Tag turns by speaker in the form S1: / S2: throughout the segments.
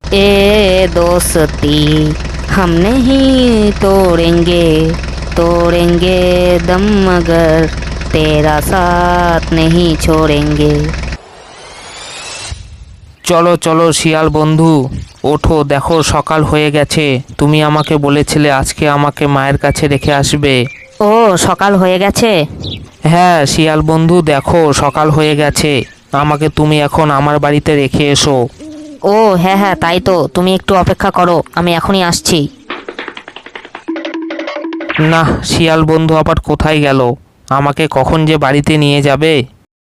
S1: ए दोस्ती हम नहीं तोड़ेंगे, तोड़ेंगे दम मगर तेरा साथ नहीं छोड़ेंगे।
S2: চলো চলো শিয়াল বন্ধু, ওঠো, দেখো সকাল হয়ে গেছে। তুমি আমাকে বলেছিলে আজকে আমাকে মায়ের কাছে রেখে আসবে।
S1: ও সকাল হয়ে গেছে?
S2: হ্যাঁ শিয়াল বন্ধু, দেখো সকাল হয়ে গেছে, আমাকে তুমি এখন আমার বাড়িতে রেখে এসো।
S1: ও হ্যাঁ হ্যাঁ, তাই তো, তুমি একটু অপেক্ষা করো, আমি এখনই আসছি।
S2: না, শিয়াল বন্ধু আবার কোথায় গেল? আমাকে কখন যে বাড়িতে নিয়ে যাবে?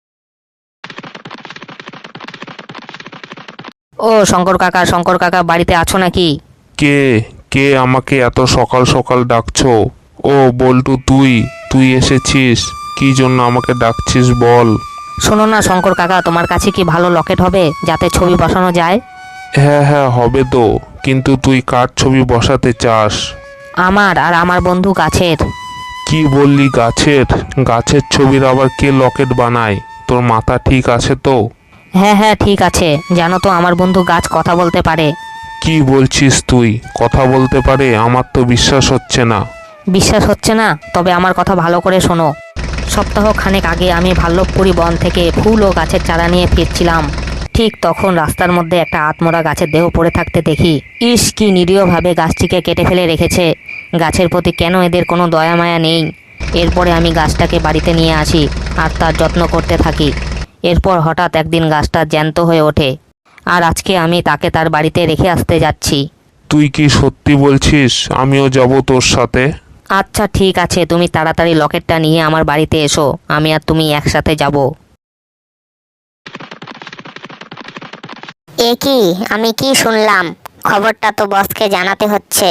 S1: ও শঙ্কর কাকা বাড়িতে আছো নাকি?
S3: কে কে আমাকে এত সকাল সকাল ডাকছো? ও বল্টু, তুই তুই এসেছিস? কি জন্য আমাকে ডাকছিস বল?
S1: শোনো না শঙ্কর কাকা, তোমার কাছে কি ভালো লকেট হবে যাতে ছবি বসানো যায়?
S3: হ্যাঁ হ্যাঁ, হবে তো, কিন্তু তুই কার ছবি বসাতে চাস?
S1: আমার আর আমার বন্ধু গাছের।
S3: কি বললি গাছের? গাছের ছবির আবার কে লকেট বানায়? তোর মাথা ঠিক আছে তো?
S1: হ্যাঁ হ্যাঁ ঠিক আছে, জানো তো আমার বন্ধু গাছ কথা বলতে পারে।
S3: কি বলছিস তুই? কথা বলতে পারে? আমার তো বিশ্বাস হচ্ছে না।
S1: বিশ্বাস হচ্ছে না? তবে আমার কথা ভালো করে শোনো। সপ্তাহ খানেক আগে আমি ভাল্লভপুরি বন থেকে ফুল ও গাছের চারা নিয়ে ফিরছিলাম। ঠিক তখন রাস্তার মধ্যে একটা আত্মরা গাছের দেহ পড়ে থাকতে দেখি। ইস, কি নিরীহভাবে গাছটিকে কেটে ফেলে রেখেছে। গাছের প্রতি কেন এদের কোনো দয়া মায়া নেই? এরপরে আমি গাছটাকে বাড়িতে নিয়ে আসি আর তার যত্ন করতে থাকি। এরপর হঠাৎ একদিন গাছটা জ্যান্ত হয়ে ওঠে, আর আজকে আমি তাকে তার বাড়িতে রেখে আসতে যাচ্ছি।
S3: তুই কি সত্যি বলছিস? আমিও যাব তোর সাথে।
S1: আচ্ছা ঠিক আছে, তুমি তাড়াতাড়ি লকেটটা নিয়ে আমার বাড়িতে এসো, আমি আর তুমি একসাথে যাব।
S4: এ কি, আমি কি শুনলাম? খবরটা তো বসকে জানাতে হচ্ছে।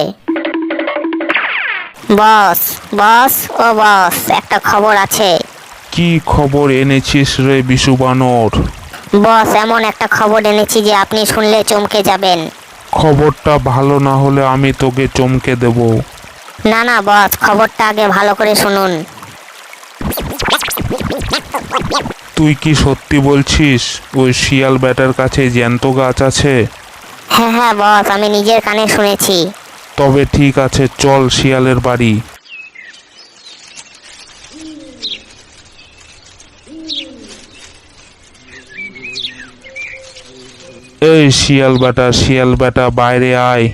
S4: বস, বস, ও বস, একটা খবর আছে।
S3: কি খবর এনেছিস রে বিশু বানর?
S4: বস, এমন একটা খবর এনেছি যে আপনি শুনলে চমকে যাবেন।
S3: খবরটা ভালো না হলে আমি তোকে চমকে দেব।
S4: না না বস, খবরটা আগে ভালো করে শুনুন।
S3: তুই কি সত্যি বলছিস? ওই শিয়াল ব্যাটার কাছে জ্যান্ত গাছ আছে?
S4: হ্যাঁ হ্যাঁ বস, আমি নিজের কানে শুনেছি।
S3: তবে ঠিক আছে, চল শিয়ালের বাড়ি। এই শিয়াল ব্যাটা বাইরে আয়।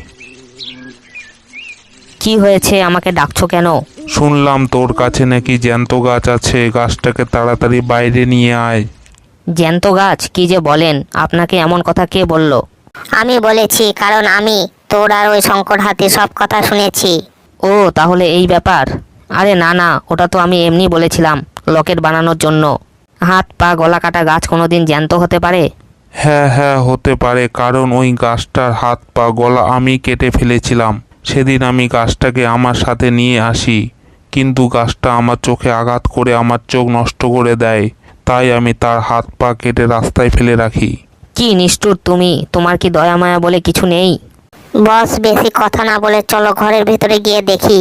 S1: কি হয়েছে, আমাকে ডাকছো কেন?
S3: শুনলাম তোর কাছে নাকি জ্যান্ত গাছ আছে, গাছটাকে তাড়াতাড়ি বাইরে নিয়ে আয়।
S1: জ্যান্ত গাছ? কি যে বলেন, আপনাকে এমন কথা কে বলল?
S4: আমি বলেছি, কারণ আমি তোর আর ওই শঙ্কর হাতির সব কথা শুনেছি।
S1: ও তাহলে এই ব্যাপার। আরে না না, ওটা তো আমি এমনি বলেছিলাম লকেট বানানোর জন্য। হাত পা গলা কাটা গাছ কোনোদিন জ্যান্ত হতে পারে?
S3: হ্যাঁ হ্যাঁ, হতে পারে, কারণ ওই গাছটার হাত পা গলা আমি কেটে ফেলেছিলাম। সেদিন আমি গাছটাকে আমার সাথে নিয়ে আসি, কিন্তু গাছটা আমার চোখে আঘাত করে আমার চোখ নষ্ট করে দেয়। তাই আমি তার হাত পা কেটে রাস্তায় ফেলে রাখি।
S1: কি নিষ্ঠুর তুমি, তোমার কি দয়া মায়া বলে কিছু নেই?
S4: বস, বেশি কথা না বলে চলো ঘরের ভিতরে গিয়ে দেখি।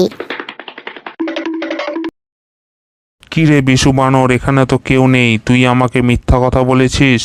S3: কি রে বিশু বানর, এখানে তো কেউ নেই, তুই আমাকে মিথ্যা কথা বলেছিস।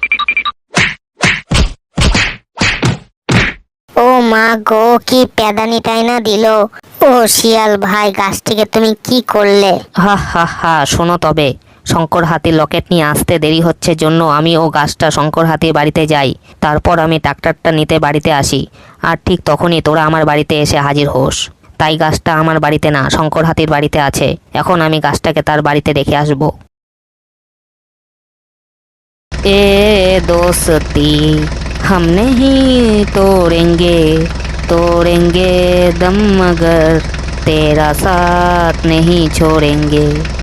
S4: ও মা গো, কি প্যাদানিটাই না দিল। ও শিয়াল ভাই, গাছটিকে তুমি কি করলে?
S1: হা হা হা, শোনো তবে, শঙ্কর হাতির লকেট নিয়ে আসতে দেরি হচ্ছে জন্য আমি ও গাছটা শঙ্কর হাতির বাড়িতে যাই। তারপর আমি ট্রাক্টরটা নিতে বাড়িতে আসি, আর ঠিক তখনই তোরা আমার বাড়িতে এসে হাজির হোস। তাই গাছটা আমার বাড়িতে না, শঙ্কর হাতির বাড়িতে আছে। এখন আমি গাছটাকে তার বাড়িতে রেখে আসব। এ दोस्ती हम नहीं तोड़ेंगे, तोड़ेंगे दम मगर तेरा साथ नहीं छोड़ेंगे।